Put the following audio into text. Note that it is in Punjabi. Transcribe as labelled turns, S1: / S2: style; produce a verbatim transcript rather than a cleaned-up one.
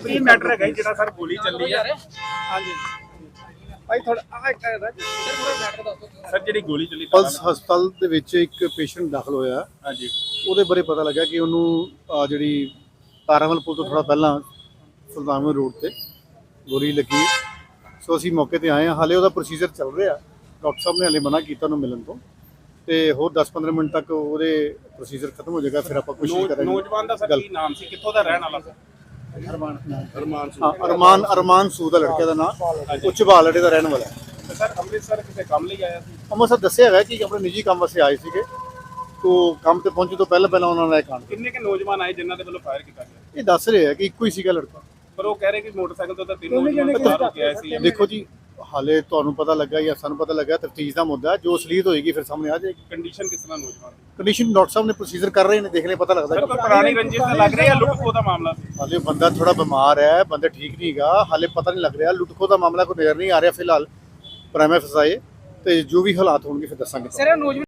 S1: ਕੀ ਮੈਟਰ ਹੈਗਾ ਜਿਹੜਾ ਸਰ ਗੋਲੀ ਚੱਲੀ ਆ? ਹਾਂਜੀ ਭਾਈ ਥੋੜਾ ਆ ਇੱਕ ਸਰ ਜਿਹੜੀ ਗੋਲੀ ਚੱਲੀ
S2: ਪਲਸ ਹਸਪਤਾਲ ਦੇ ਵਿੱਚ ਇੱਕ ਪੇਸ਼ੈਂਟ ਦਾਖਲ ਹੋਇਆ।
S1: ਹਾਂਜੀ
S2: ਉਹਦੇ ਬਾਰੇ ਪਤਾ ਲੱਗਾ ਕਿ ਉਹਨੂੰ ਆਹ ਜਿਹੜੀ ਤਾਰਾਮਲ ਪੁਲ ਤੋਂ ਥੋੜਾ ਪਹਿਲਾਂ ਸੁਲਤਾਨਪੁਰ ਰੋਡ ਤੇ ਗੋਲੀ ਲੱਗੀ। ਸੋ ਅਸੀਂ ਮੌਕੇ ਤੇ ਆਏ ਹਾਂ। ਹਾਲੇ ਉਹਦਾ ਪ੍ਰੋਸੀਜਰ ਚੱਲ ਰਿਹਾ। ਡਾਕਟਰ ਸਾਹਿਬ ਨੇ ਹਾਲੇ ਮਨਾ ਕੀਤਾ ਉਹਨੂੰ ਮਿਲਣ ਤੋਂ, ਤੇ ਹੋਰ ਦਸ ਪੰਦਰਾਂ ਮਿੰਟ ਤੱਕ ਉਹਦੇ ਪ੍ਰੋਸੀਜਰ ਖਤਮ ਹੋ ਜਾਏਗਾ। ਫਿਰ ਆਪਾਂ ਕੋਸ਼ਿਸ਼ ਕਰਾਂਗੇ।
S1: ਨੌਜਵਾਨ ਦਾ ਸਰ ਕੀ ਨਾਮ ਸੀ, ਕਿੱਥੋਂ ਦਾ ਰਹਿਣ ਵਾਲਾ ਸਰ?
S2: ਅਰਮਾਨ ਹਾਂ ਅਰਮਾਨ ਅਰਮਾਨ ਸੂ ਦਾ ਲੜਕੇ ਦਾ ਨਾਮ, ਉੱਚ ਬਾਲੜੇ ਦਾ ਰਹਿਣ ਵਾਲਾ ਹੈ।
S1: ਸਰ ਅੰਮ੍ਰਿਤਸਰ ਕਿਸੇ ਕੰਮ ਲਈ ਆਇਆ ਸੀ?
S2: ਅੰਮ੍ਰਿਤਸਰ ਦੱਸਿਆ ਹੈਗਾ ਕਿ ਆਪਣੇ ਨਿੱਜੀ ਕੰਮ ਵਾਸਤੇ ਆਏ ਸੀਗੇ। ਤੋਂ ਕੰਮ ਤੇ ਪਹੁੰਚੇ ਤੋਂ ਪਹਿਲਾਂ ਪਹਿਲਾਂ ਉਹਨਾਂ ਨੇ ਇਹ ਕਾਂਡ।
S1: ਕਿੰਨੇ ਕੇ ਨੌਜਵਾਨ ਆਏ ਜਿਨ੍ਹਾਂ ਦੇ ਵੱਲੋਂ ਫਾਇਰ ਕੀਤਾ ਗਿਆ?
S2: ਇਹ ਦੱਸ ਰਹੇ ਆ ਕਿ ਇੱਕੋ ਹੀ ਸੀਗਾ ਲੜਕਾ,
S1: ਪਰ ਉਹ ਕਹਿ ਰਹੇ ਕਿ ਮੋਟਰਸਾਈਕਲ ਤੋਂ ਤਾਂ ਤਿੰਨ ਨੌਜਵਾਨ ਫਾਇਰ ਹੋ ਕੇ ਆਏ ਸੀ।
S2: ਦੇਖੋ ਜੀ ਹਾਲੇ ਤੁਹਾਨੂੰ ਪਤਾ ਲੱਗਾ ਜਾਂ ਸਾਨੂੰ ਪਤਾ ਲੱਗਾ, ਤਫਤੀਸ਼ ਦਾ ਮੁੱਦਾ ਜੋ ਅਸਲੀਅਤ ਹੋਏਗੀ ਫਿਰ ਸਾਹਮਣੇ ਆ ਜਾਏਗੀ।
S1: ਕੰਡੀਸ਼ਨ ਕਿਸ ਤਰ੍ਹਾਂ ਨੌਜਵਾਨ ਦੀ?
S2: ਕੰਡੀਸ਼ਨ ਡਾਕਟਰ ਸਾਹਿਬ ਨੇ ਪ੍ਰੋਸੀਜਰ ਕਰ ਰਹੇ ਨੇ, ਦੇਖਣੇ ਪਤਾ ਲੱਗਦਾ।
S1: ਸਰ ਕੋਈ ਪੁਰਾਣੀ ਰੰਜਿਸ਼ ਤਾਂ ਲੱਗ ਰਹੀ ਹੈ, ਲੁੱਟ ਖੋਹ ਦਾ ਮਾਮਲਾ ਸੀ?
S2: ਹਾਲੇ ਬੰਦਾ ਥੋੜਾ ਬਿਮਾਰ ਹੈ, ਬੰਦਾ ਠੀਕ ਨਹੀਂ ਹੈਗਾ, ਹਾਲੇ ਪਤਾ ਨਹੀਂ ਲੱਗ ਰਿਹਾ। ਲੁੱਟ ਖੋਹ ਦਾ ਮਾਮਲਾ ਕੋਈ ਨਜ਼ਰ ਨਹੀਂ ਆ ਰਿਹਾ ਫਿਲਹਾਲ। ਪ੍ਰਾਈਮ ਫਸਾਏ ਤੇ ਜੋ ਵੀ ਹਾਲਾਤ ਹੋਣਗੇ ਫਿਰ ਦੱਸਾਂਗੇ।